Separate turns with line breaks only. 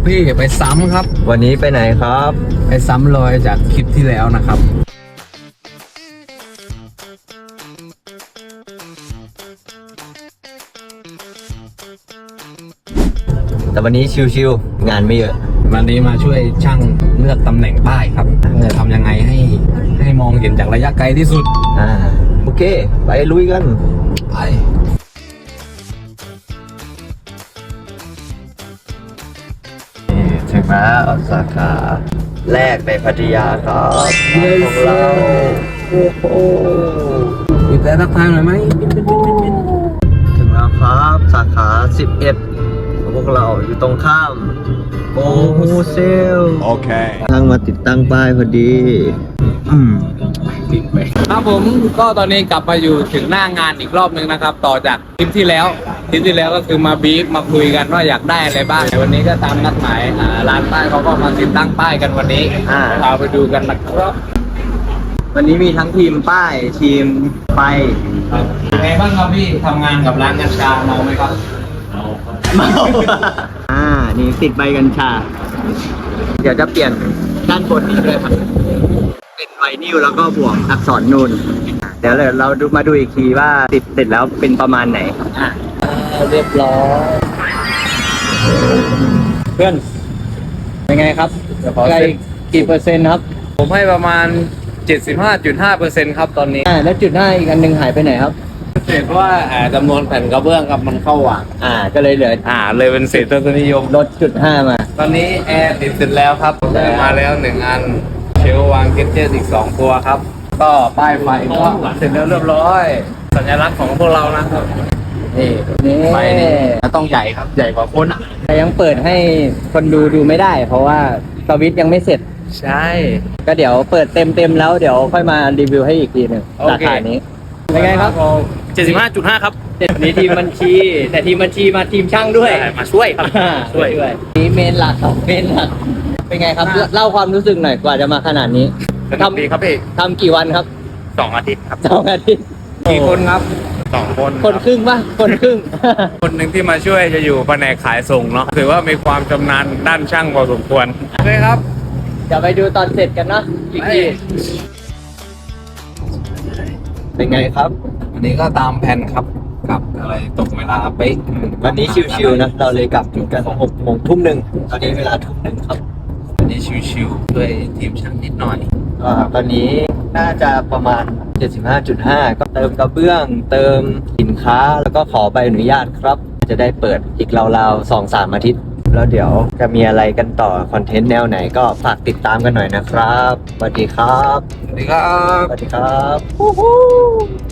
พี่ไปซ้ำครับ
วันนี้ไปไหนครับ
ไปซ้ำรอยจากคลิปที่แล้วนะครับ
แต่วันนี้ชิวๆงานไม่เยอะ
วันนี้มาช่วยช่างเลือกตำแหน่งป้ายครับจะทำยังไงให้มองเห็นจากระยะไกลที่สุด
โอเค ไปลุยกัน
ไป
ถึงแล้วสาขาแรกในพัทยาครับของเราโอ้โห
มีแต่ทักทายหน่อยไหม
ถึงแล้วครับสาขา 11ของพวกเราอยู่ตรงข้ามโอ้เซล
โอเค
ทางมาติดตั้งป้ายพอดี
ครับผมก็ตอนนี้กลับมาอยู่ถึงหน้างานอีกรอบนึงนะครับ ต่อจากคลิปที่แล้วก็คือมาบีฟมาคุยกันว่าอยากได้อะไรบ้างวันนี้ก็ตามนัดหมายร้านป้ายเขาก็มาติดตั้งป้ายกันวันนี้พาไปดูกันนะครับ
วันนี้มีทั้งทีมป้ายทีมไฟ
ไงบ้างครับพี่ทำงานกับร้านกัญชาเมาไหมครับ
เมานี่ติดใบกัญชา เดี๋ยวจะเปลี่ยนด้านบนนี้ด้วยครับเป็นไวนิลแล้วก็บวกอักษรนูนเดี๋ยวเรามาดูอีกทีว่าติดเสร็จแล้วเป็นประมาณไหนเรียบร้อยเพื่อนเป็นไงครับใกล้กี่เปอร์เซ็นต์ครับ
ผมให้ประมาณ 75.5% ครับตอนนี้
แล้วจุด5อีกอันหนึ่งหายไปไหนครับ
เศษว่าจำนวนแผ่นกระเบื้องครับมันเข้าหว่าง
ก็เลยเหลือ
เลยเป็นเศษทศนิยม
ลดจุด5มา
ตอนนี้แอร์ติดเสร็จแล้วครับได้มาแล้ว1อันเชลวางเกจเจตอีก2ตัวครับก็ป้ายไฟก็เสร็จแล้วเรียบร้อยสัญลักษณ์ของพวกเรานะครับนี่ไฟนี่ต้องใหญ่ครับใหญ่กว่าคนอ่ะ
แต่ยังเปิดให้คนดูไม่ได้ เพราะว่าสวิตช์ยังไม่เสร็จ
ใช่
ก็เดี๋ยวเปิดเต็มแล้วเดี๋ยวค่อยมารีวิวให้อีกทีหนึ่ง
โอเค
ราคานี้เป็นไงครับ
75.5 ครับ
นี่ทีมบัญชี แต่ทีมบัญชีมาทีมช่างด้วย
มาช่วยครับช่วย
นี่เมนหลักครับเมนหลักเป็นไงครับเล่าความรู้สึกหน่อยกว่าจะมาขนาดนี้
ทำดีครับพี่
ทำกี่วันครับ
2 อาทิตย์ครับ
2 อาทิตย์
กี่คนครับ2 คน
คนครึ่งป่ะคนครึ่ง
คนหนึ่งที่มาช่วยจะอยู่แผนกขายส่งเนาะถือว่ามีความชำนาญด้านช่างพอสมควรโอเคครับ
เดี๋ยวไปดูตอนเสร็จกันเนาะอีกทีเป็นไงครับ
วันนี้ก็ตามแผนครับกลับอะไรตกเวลาเป๊ะ
วันนี้ชิวๆนะเราเลยกลับถึงกัน6 โมงทุ่มหนึ่งตอนนี้เวลาทุ่มหนึ่งครับ
วันนี้ชิวๆด้วยทีมช่างนิดหน่อย
ตอนนี้น่าจะประมาณ 75.5 ก็เติมกระเบื้องเติมสินค้าแล้วก็ขอใบอนุญาตครับ จะได้เปิดอีกราวๆ 2-3 อาทิตย์ แล้วเดี๋ยวจะมีอะไรกันต่อคอนเทนต์แนวไหนก็ฝากติดตามกันหน่อยนะครับสวัสดีครับ
สวัสดีครับ
สวัสดีครับ